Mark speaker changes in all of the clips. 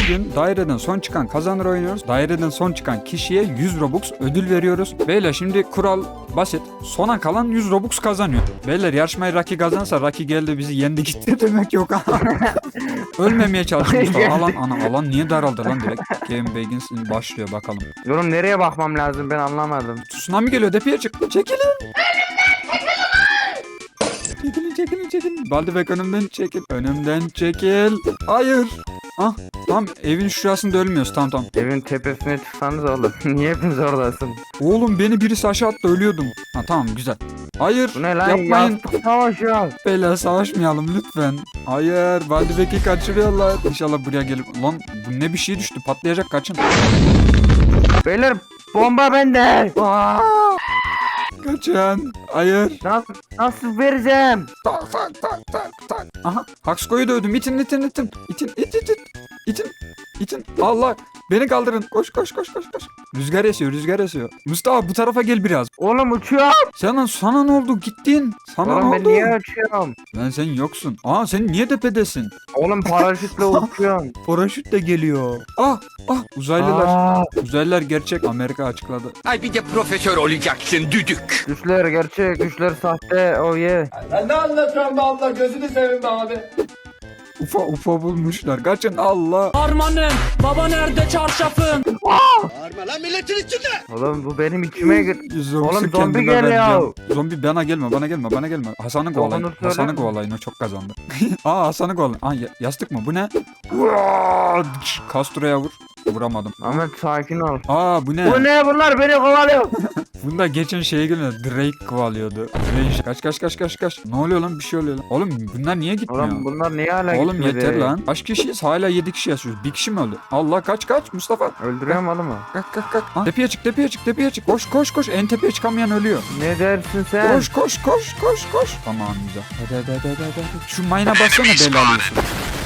Speaker 1: bugün daireden son çıkan kazanır oynuyoruz. Daireden son çıkan kişiye 100 Robux ödül veriyoruz. Beyler şimdi kural basit. Sona kalan 100 Robux kazanıyor. Beyler yarışmayı Raki kazansa Raki geldi bizi yendi gitti demek yok. Ölmemeye çalışmış. Alan niye daraldı lan direkt? Game Begins başlıyor bakalım.
Speaker 2: Yorum nereye bakmam lazım ben anlamadım.
Speaker 1: Tsunami geliyor depeye çık. Çekilin. Çekilin. Baldebek önümden çekil. Önümden çekil. Hayır. Ah tam evin şurasında ölmüyoruz tamam.
Speaker 2: Evin tepesine çıksanız oğlum. Niye hepiniz oradasın?
Speaker 1: Oğlum beni birisi aşağı attı ölüyordum. Ha tamam güzel. Hayır
Speaker 2: Bu ne lan?
Speaker 1: yapmayın.
Speaker 2: Yastık savaşı.
Speaker 1: Beyler savaşmayalım lütfen. Hayır Baldebek'i kaçırıyorlar. İnşallah buraya gelip. Lan bu ne bir şey düştü patlayacak kaçın.
Speaker 2: Beyler bomba bende. Aa!
Speaker 1: Kaçın. Hayır.
Speaker 2: Nasıl vereceğim?
Speaker 1: Tak. Aha Haksko'yu dövdüm. İtin. İtin. Allah. Beni kaldırın. Koş. Rüzgar esiyor. Mustafa bu tarafa gel biraz.
Speaker 2: Oğlum uçuyor.
Speaker 1: Sana ne oldu? Gittin. Sana
Speaker 2: Oğlum
Speaker 1: ne
Speaker 2: ben
Speaker 1: oldu?
Speaker 2: niye uçuyorum?
Speaker 1: Lan sen yoksun. Aa sen niye tepedesin?
Speaker 2: Oğlum paraşütle uçuyorum.
Speaker 1: Paraşüt de geliyor. Ah uzaylılar.
Speaker 2: Aa,
Speaker 1: Uzaylılar gerçek. Amerika açıkladı.
Speaker 3: Ay bir de profesör olacaksın düdük.
Speaker 2: düşler gerçek, düşler sahte. Oh yeah.
Speaker 4: Ben ne anlatıyorum be abla, gözünü seveyim be abi.
Speaker 1: UFO bulmuşlar. Kaçın Allah.
Speaker 5: Harmanım, baba nerede çarşafım?
Speaker 2: Oğlum bu benim içime gir. Oğlum zombi
Speaker 1: kendime
Speaker 2: geliyor.
Speaker 1: vereceğim. Zombi bana gelme. Hasan'ı kovalayın.
Speaker 2: Onu söyle.
Speaker 1: Hasan'ı kovalayın o çok kazandı. Hasan'ı kovalayın. Yastık mı bu ne? Castro'ya vur. Vuramadım.
Speaker 2: Ahmet sakin ol.
Speaker 1: Bu ne?
Speaker 2: Bu ne bunlar beni kovalıyor.
Speaker 1: Bunda geçen şeye geliyor. Drake kovalıyordu. Kaç. Ne oluyor lan? Bir şey oluyor lan. Oğlum bunlar niye gitmiyor?
Speaker 2: Oğlum bunlar niye hala
Speaker 1: Oğlum
Speaker 2: gitmedi?
Speaker 1: yeter lan. Kaç kişiyiz? Hala 7 kişi yaşıyoruz. Bir kişi mi öldü? Allah kaç Mustafa.
Speaker 2: Öldürüyorum oğlum mu?
Speaker 1: Kalk. Ha, tepeye çık. Koş. En tepeye çıkamayan ölüyor.
Speaker 2: Ne dersin sen?
Speaker 1: Koş. Tamam güzel. Hadi. Şu mayına bassana bela alıyorsun.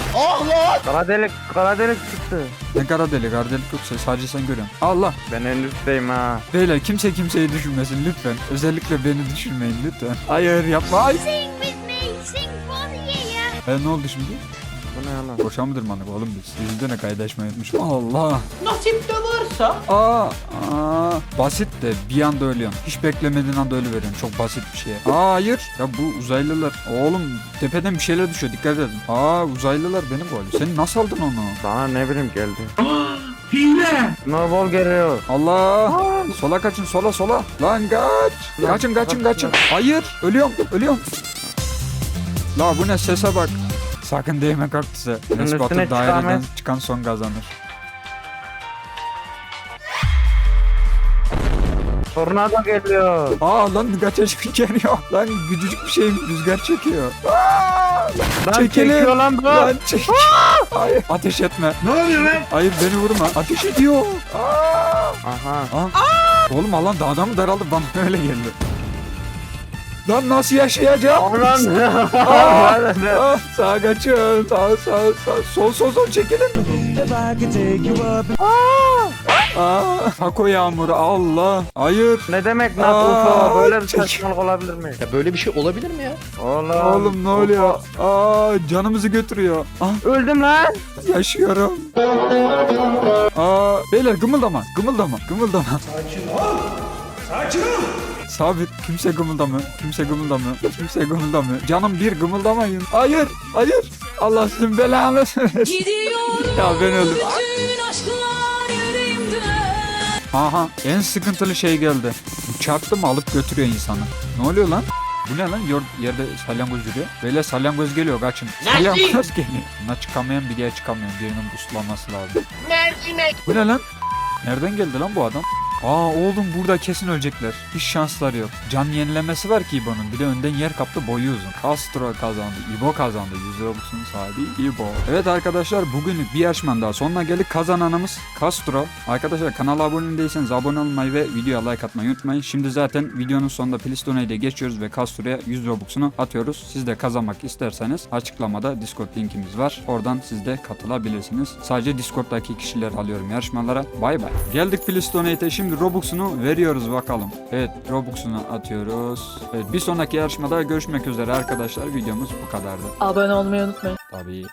Speaker 2: Kara delik çıktı.
Speaker 1: Ne kara delik yok sadece sen görüyorsun. Allah.
Speaker 2: Ben en üstteyim ha.
Speaker 1: Beyler kimse kimseyi düşünmesin lütfen. Özellikle beni düşünmeyin lütfen. Hayır yapma. Ay.
Speaker 6: Sing with me, sing for the year.
Speaker 1: Ne oldu şimdi?
Speaker 2: Bu ne lan?
Speaker 1: Boşa mı dırmandık oğlum biz? Yüzünde ne kaydaşmayı unutmuşum. Allah.
Speaker 5: Nasip de varsa.
Speaker 1: Basit de bir anda ölüyorsun. Hiç beklemediğin anda ölüveriyorsun. Çok basit bir şey. Hayır. Ya bu uzaylılar. Oğlum tepeden bir şeyler düşüyor. Dikkat edin. Uzaylılar beni kovalıyor. Sen nasıl aldın onu?
Speaker 2: Bana ne bileyim geldi. Hile. Snowball geliyor.
Speaker 1: Allah. Sola kaçın sola. Lan kaç. Kaçın. Hayır. Ölüyorum. La bu ne sese bak. Sakın değme kaktüse.
Speaker 2: üstüne
Speaker 1: Batur daireden
Speaker 2: çıkamaz.
Speaker 1: çıkan son kazanır.
Speaker 2: Tornado geliyor.
Speaker 1: Lan kaçacak geliyor. Lan küçücük bir şey rüzgar çekiyor.
Speaker 2: Lan
Speaker 1: Çekilin.
Speaker 2: çekiyor lan bu.
Speaker 1: Lan çek. Hayır ateş etme. Ne oluyor lan? Hayır beni vurma. Ateş ediyor.
Speaker 2: Aha.
Speaker 1: Oğlum alan daha mı daraldı bana öyle geldi. Lan nasıl yaşayacağım? Sağa kaçın. Sağ. Sol çekilin. Taco yağmuru Allah. Hayır.
Speaker 2: Ne demek lan UFO? Böyle bir
Speaker 1: çek.
Speaker 2: saçmalık olabilir mi?
Speaker 3: Ya böyle bir şey olabilir mi ya?
Speaker 1: Oğlum ne oluyor? Canımızı götürüyor.
Speaker 2: Öldüm lan.
Speaker 1: Yaşıyorum. Beyler gımıldama. Sakin ol. Sabit. Kimse gımıldamıyor. Canım bir gımıldamayın. Hayır. Allah sizin belanı versin. Ya ben öldüm.
Speaker 5: Bütün aşklar yüreğimde.
Speaker 1: Aha en sıkıntılı şey geldi. Çarptı mı alıp götürüyor insanı. Ne oluyor lan? Bu ne lan? Yerde salyangoz yürüyor. Böyle salyangoz geliyor kaçın. Salyangoz geliyor. Buna çıkamayan bir diye çıkamıyor. Birinin buslanması lazım. Bu ne lan? Nereden geldi lan bu adam? Oğlum burada kesin ölecekler. Hiç şansları yok. Can yenilemesi var ki İbo'nun. Bir de önden yer kaptı boyu uzun. Castro kazandı. İbo kazandı. 100 Robux'un sahibi İbo. Evet arkadaşlar bugünlük bir yarışmanın daha sonuna geldik. Kazananımız Castro. Arkadaşlar kanala abone değilseniz abone olmayı ve videoya like atmayı unutmayın. Şimdi zaten videonun sonunda Plistone'ye ile geçiyoruz ve Castro'ya 100 Robux'unu atıyoruz. Siz de kazanmak isterseniz açıklamada Discord linkimiz var. Oradan siz de katılabilirsiniz. Sadece Discord'daki kişiler alıyorum yarışmalara. Bay bay. Geldik Plistone'ye. Şimdi Robux'unu veriyoruz bakalım. Evet Robux'unu atıyoruz. Evet bir sonraki yarışmada görüşmek üzere arkadaşlar. Videomuz bu kadardı.
Speaker 5: Abone olmayı unutmayın.
Speaker 1: Tabii.